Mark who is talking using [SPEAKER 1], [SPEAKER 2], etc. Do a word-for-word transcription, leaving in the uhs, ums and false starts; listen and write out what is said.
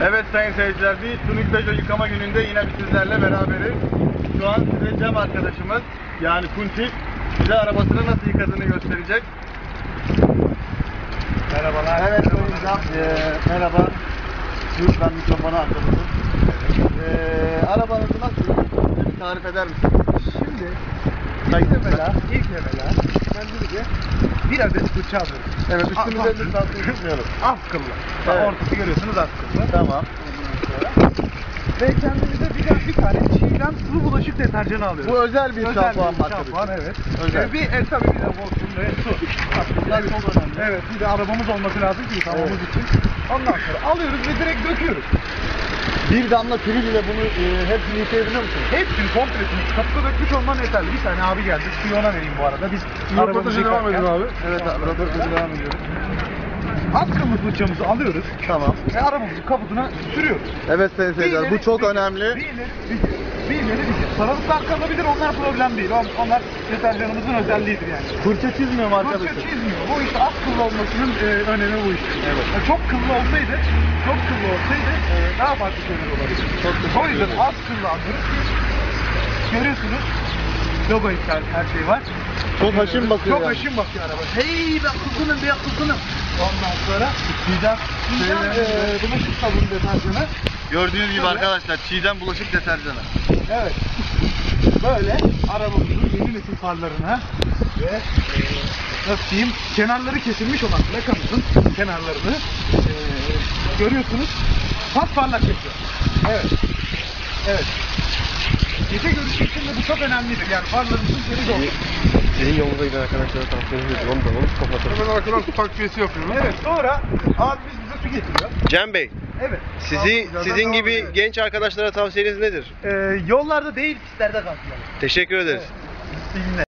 [SPEAKER 1] Evet sayın seyirciler, bir Tunik Peugeot yıkama gününde yine sizlerle beraberiz. Şu an size Cem arkadaşımız, yani Kuntik, bize arabasını nasıl yıkadığını gösterecek.
[SPEAKER 2] Merhabalar.
[SPEAKER 1] Evet sayın Cem, ee, merhaba. Dur ben mikrofonu açalım. Ee, arabanızı nasıl yıkadığını bir tarif eder misiniz?
[SPEAKER 2] Şimdi ilk evvela, ilk evvela kendimize bir adet fırça alıyoruz.
[SPEAKER 1] Evet,
[SPEAKER 2] Ah,
[SPEAKER 1] üstümüze
[SPEAKER 2] ah.
[SPEAKER 1] lütfen tutmayalım.
[SPEAKER 2] Az kıllı. Bak,
[SPEAKER 1] Evet.
[SPEAKER 2] ortası görüyorsunuz az kıllı.
[SPEAKER 1] Tamam.
[SPEAKER 2] Ve kendimize bir, bir tane çiğdem sulu bulaşık deterjanı alıyoruz.
[SPEAKER 1] Bu özel bir şampuan markası.
[SPEAKER 2] şampuan, evet.
[SPEAKER 1] Özel.
[SPEAKER 2] Ee, bir, e, tabii bir de olsun ve su.
[SPEAKER 1] Bunlar çok önemli.
[SPEAKER 2] Evet, bir de arabamız olması lazım ki yıkamamız
[SPEAKER 1] Evet.
[SPEAKER 2] için. Ondan sonra alıyoruz ve direkt döküyoruz.
[SPEAKER 1] Bir damla kiril ile bunu e, hepsini yıkayabiliyor musunuz?
[SPEAKER 2] Hepsini komplesini kapıda dökmüş olman yeterli. Bir tane abi geldi. Suyu ona vereyim bu arada. Biz
[SPEAKER 1] Röportaja devam
[SPEAKER 2] yıkarken-
[SPEAKER 1] edin abi. Evet abi, röportaja devam ediyoruz.
[SPEAKER 2] Az kıllı fırçamızı alıyoruz.
[SPEAKER 1] Tamam.
[SPEAKER 2] Ve arabamızın kaputuna sürüyoruz.
[SPEAKER 1] Evet sayın seyirciler, bu
[SPEAKER 2] ileri,
[SPEAKER 1] çok
[SPEAKER 2] bir-
[SPEAKER 1] önemli.
[SPEAKER 2] Bir ileri bir geri. Bir ileri bir geri. Sarılıklar kalabilir, onlar problem değil. On- Onlar deterjanımızın özelliğidir yani.
[SPEAKER 1] Fırça çizmiyor mu
[SPEAKER 2] Fırça
[SPEAKER 1] arkadaşlar?
[SPEAKER 2] çizmiyor. Bu işte az kıllı olmasının e, önemi bu işte.
[SPEAKER 1] Evet.
[SPEAKER 2] Yani çok kıllı olsaydı, çok kıllı olsaydı e, daha farklı şeyler olabilir.
[SPEAKER 1] Çok teşekkür
[SPEAKER 2] O yüzden
[SPEAKER 1] ederim.
[SPEAKER 2] az kıllı alıyoruz. Görüyorsunuz. Logo iptal, her şey var.
[SPEAKER 1] Çok haşin bakıyor
[SPEAKER 2] Çok
[SPEAKER 1] yani.
[SPEAKER 2] haşin bakıyor araba. Hey be kukunum be kukunum. Ondan sonra
[SPEAKER 1] Çiğdem,
[SPEAKER 2] Çiğdem
[SPEAKER 1] şeyden-
[SPEAKER 2] eee bulaşık sabunu deterjanı.
[SPEAKER 1] gördüğünüz gibi
[SPEAKER 2] Tabii.
[SPEAKER 1] arkadaşlar, Çiğdem bulaşık deterjanı.
[SPEAKER 2] Evet. Böyle arabamızın yeni nesil farlarına ve eee nasıl diyeyim kenarları kesilmiş olan plakamızın kenarlarını eee görüyorsunuz. Pasparlak yapıyor. Evet. Evet. Gece görüşü için de bu çok önemlidir. Yani farlarımızın temiz olması.
[SPEAKER 3] Senin yolunda giden arkadaşlara tavsiye ediyorum. Onu da onu kapatalım.
[SPEAKER 1] Hemen arkadan su takviyesi yapıyoruz.
[SPEAKER 2] Evet. Sonra abimiz bize su getiriyor.
[SPEAKER 3] Cem Bey,
[SPEAKER 2] Evet.
[SPEAKER 3] sizi
[SPEAKER 1] Zaten
[SPEAKER 3] sizin
[SPEAKER 1] devam
[SPEAKER 3] gibi
[SPEAKER 1] ediyor.
[SPEAKER 3] genç arkadaşlara tavsiyeniz nedir?
[SPEAKER 2] Eee yollarda değil pistlerde kalkıyor.
[SPEAKER 3] Teşekkür ederiz.
[SPEAKER 2] İyi günler.